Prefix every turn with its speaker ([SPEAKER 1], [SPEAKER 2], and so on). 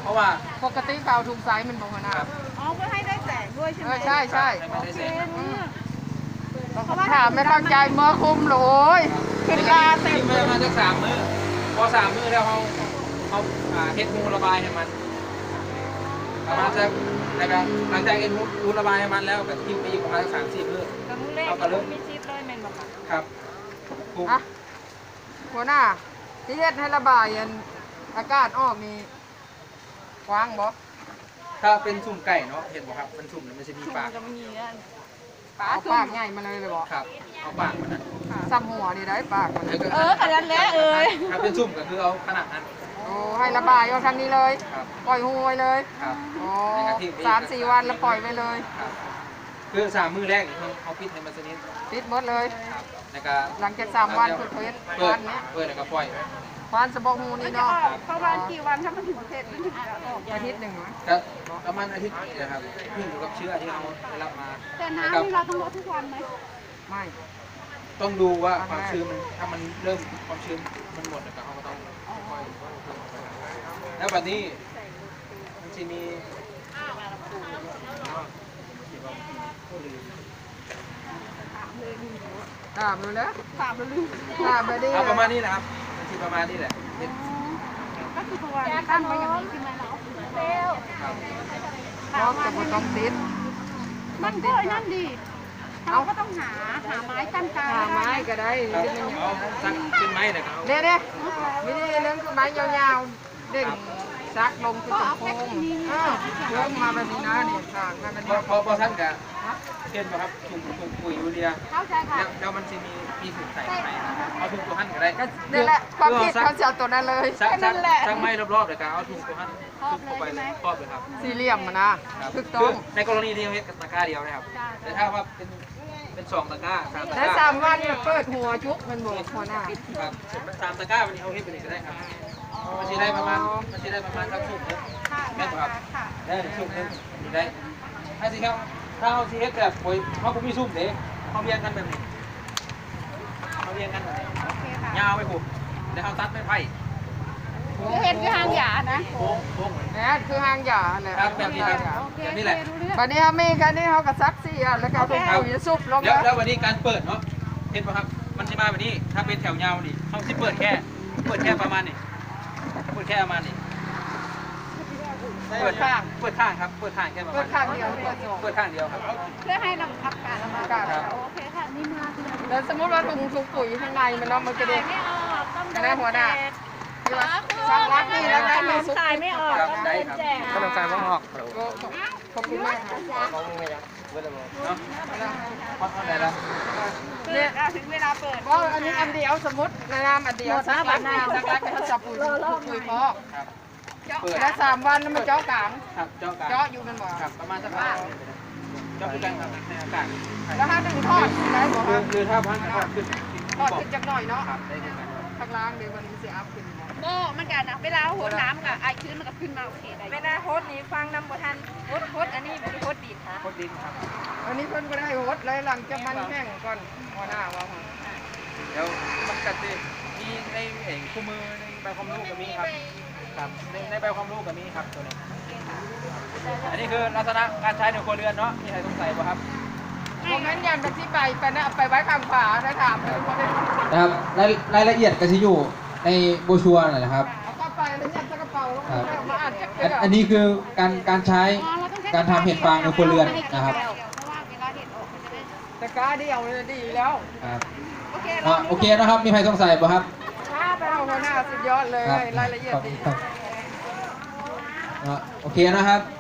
[SPEAKER 1] ราะว่า
[SPEAKER 2] ปกติเขาถุงสายมันบอกนะ
[SPEAKER 3] อ๋อเพื่อให้ได้แสงด้วยใช่ไหม
[SPEAKER 2] ใช่ใช่
[SPEAKER 3] ถาม
[SPEAKER 2] ไม่เข้าใจเมื่อคุมโหยขึ้นลาเต็ม
[SPEAKER 1] เลยมาสัก3 มื้อพอ3 มื้อแล้วเขาเฮ็ดมูระบายให้มันประมาณสักนะครับหลังจากเฮ็ดมูระบายให้มันแล้วก็ทิ้งไปอีกประมาณ3-4 มื้อ
[SPEAKER 3] เขาก็เริ่มมีชีพเลยแมนบอก
[SPEAKER 1] ครับ
[SPEAKER 2] หัวหน้าที่เฮ็ดให้ระบายอากาศออกนี่กว้างบ่
[SPEAKER 1] ถ้าเป็นสุ่มไก่เนาะเห็นบ่ครับมันสุ่มแล้วมันจะมีปาก
[SPEAKER 2] ปากใหญ่มาเลยเลยบ่
[SPEAKER 1] ครับเอาปากมันนะ
[SPEAKER 2] ซ้ำหัวนี่ได้ปากมัน
[SPEAKER 3] ขนาดแล้ว
[SPEAKER 1] ถ้าเป็นสุ่มก็คือเอาขนาดนั้น
[SPEAKER 2] โอ้ให้ระบายเอาทางนี้เลยปล่อยหูไว้เลยโอ้3-4 วันแล้วปล่อยไว้เลย
[SPEAKER 1] คือ3 มื้อแรกเขาปิดให้มันสนิท
[SPEAKER 2] ปิดหมดเลย
[SPEAKER 1] แล้วก็
[SPEAKER 2] หลังจาก3 วันเปิดวันนี้
[SPEAKER 1] แล้วก็ปล่อย
[SPEAKER 2] วันสะบอกหูนี่เนาะ
[SPEAKER 3] ประมาณกี่วันถ้ามันถึงประเทศมันถึงจะออก
[SPEAKER 2] อาทิตย์หนึ่ง
[SPEAKER 1] ครับประมาณอาทิตย์นะครับขึ้นอยู่กับเชื้อที่เราได้รับมา
[SPEAKER 3] แต่น้ำนี่เราต้องลดทุกวันไหม
[SPEAKER 2] ไม่
[SPEAKER 1] ต้องดูว่าความชื้นมันถ้ามันเริ่มความชื้นมันหมดแล้วเขาก็ต้องค่อยๆแล้วแบบนี้มันจะมี
[SPEAKER 2] ถามเลยนะ
[SPEAKER 3] ถามเลย
[SPEAKER 2] ถามไปดิ
[SPEAKER 1] ประมาณนี้นะครับมันจะประมาณนี้แหละ
[SPEAKER 3] ก็คือประมาณตั้งไว้อย่างนี้ใช่ไหมเราเซล
[SPEAKER 2] เพราะจะต้องติด
[SPEAKER 3] มันก็นั่นดีเราก็ต้องหาไม้กั้นกลาง
[SPEAKER 2] หาไม้ก็ได้
[SPEAKER 1] เป็นไม้เลยครับ
[SPEAKER 2] เนี่ยวิธีเรื่องคือไม้ยาวๆเด้งซักลงคือโค้งเริ่มมาแบบนี้นะเนี่ยสากมาแบบนี้
[SPEAKER 1] พอท่านกับเช่นครับถุงปุ๋ยยูเรียแล้วมันจะมีถุงใส่ไหมเอาถุงตัวหั่นก็ได้
[SPEAKER 2] นี่แหละความคิดเขาจะเอาตัวนั้นเลย
[SPEAKER 1] ซักไม้รอบๆเลยครับเอาถุงตัวหั่นถุงเข้าไปครอบเลยครับ
[SPEAKER 2] สี่เหลี่ยมนะถูกต้อง
[SPEAKER 1] ในกรณีที่เราเฮ็ดตะกร้าเดียวนะครับแต่ถ้าว่าเป็น2 ตะกร้า3 ตะกร้า
[SPEAKER 2] และ3 วันเนี่ยเปิดหัวชุกมันบอกหัวหน้า
[SPEAKER 1] ครับ3 ตะกร้าวันนี้เอาเฮ็ดไปเลยก็ได้ครับมันจะได้ประมาณครับถุงนึงแม่ครับได้ถุงนึงได้ถ้าสิครับถ้าเอาสิเฮ็ดแบบปุ๋ยเขาก็มีซุ่มเด้เขาเรียงกันแบบนี้เขาเรียงกันแบบนี้ยาวไปปุ๊บแล้วเขาตัดไม้ไผ่
[SPEAKER 3] เห็นคือหางหยานะ
[SPEAKER 1] โค้ง
[SPEAKER 2] นี่คือหางหยาแหละ
[SPEAKER 1] แบบนี้แบบนี้แหละ
[SPEAKER 2] วันนี้เขามีกันนี่เขากับซักซี่แล้วก็เอาปุ๋ยซุปลง
[SPEAKER 1] แล้ววันนี้การเปิดเนาะเห็นป่ะครับมันจะมาแบบนี้ถ้าเป็นแถวยาวนี่เขาที่เปิดแค่ประมาณนี้เปิดแค่ประมาณนี้เปิดข้างครับเปิดข้างแค่ประมาณ
[SPEAKER 2] เปิดข้างเดียว
[SPEAKER 1] เปิดข้างเดียวครับ
[SPEAKER 3] เพื่อให้นำพักการระบายโอเคค่ะนี่มา
[SPEAKER 2] แล้วสมมติว่าถุงปุ๋ยข้างในมันเนาะมันกระเด็นกันได้หัวหน้าซักรักนี่แล้วได้ไม่สุก
[SPEAKER 3] ขายไม่ออกต้องเดินแจก
[SPEAKER 1] ก็ต้องการว่าออก
[SPEAKER 2] ขอบคุณมากครับ
[SPEAKER 1] เนาะพอเท่าไหร่แล้ว
[SPEAKER 3] เนี่ยถึงเวลาเปิด
[SPEAKER 2] เพราะอันนี้อันเดียวสมมติในน้ำอันเดียวซักรักเขาจับปุ๋ยพอแล้ว3 วันแล้วมันเจาะกลางเจาะอยู่กันบ่
[SPEAKER 1] ครับประมาณสักว่าเจาะอยู่กันครับในอากาศ
[SPEAKER 2] แล้วถ้าดึงทอดได้บ่ครับ
[SPEAKER 1] คือถ้าพันทอดขึ้น
[SPEAKER 2] จักหน่อยเนาะ
[SPEAKER 1] ได้ขึ้นกัน
[SPEAKER 2] ข้างล่างเดี๋ยวมันจะอัพขึ้น
[SPEAKER 3] โม่มันกันนะเวลาโหดน้ำกับไอชื้นมันก็ขึ้นมาโอเคได้เวลาโหดนี้ฟังน้ำบ่ทันโหดอันนี้เป็นโหดดินค่ะ
[SPEAKER 1] โหดดินครับ
[SPEAKER 2] อันนี้เพิ่นก็ได้โหดเลยหลังจากมันแห้งก่อนหัวหน้าว่า
[SPEAKER 1] เดี๋ยวมันกัดดิมีในคู่มือในใบความรู้ก็มีครับในใบความรู้ก็มีครับตัวนี้อันนี้คือลักษณะการใช้ในครัวเรือนเนาะมีใครสงสัยป่ะครับ
[SPEAKER 2] ผมนั้นยันไปที่ไปนะไปไว้ข้างฝาได้ถามเลย
[SPEAKER 1] นะครับรายละเอียดก็จะอยู่ในโบชัวร์นะครับ
[SPEAKER 2] เอาเข้าไปแล้วยัดกระเป๋าแล้วมาอ่าน
[SPEAKER 1] อันนี้คือการใช้การทำเห็ดฟางในครัวเรือนนะครับ
[SPEAKER 2] แต่กาเดียวเลยดีแล้ว
[SPEAKER 1] โอเคนะครับมีใครสงสัยป่ะครับ
[SPEAKER 2] ไปเอาหัวหน้าสุดยอดเลยรายละเอียดดี
[SPEAKER 1] โอเคนะครับ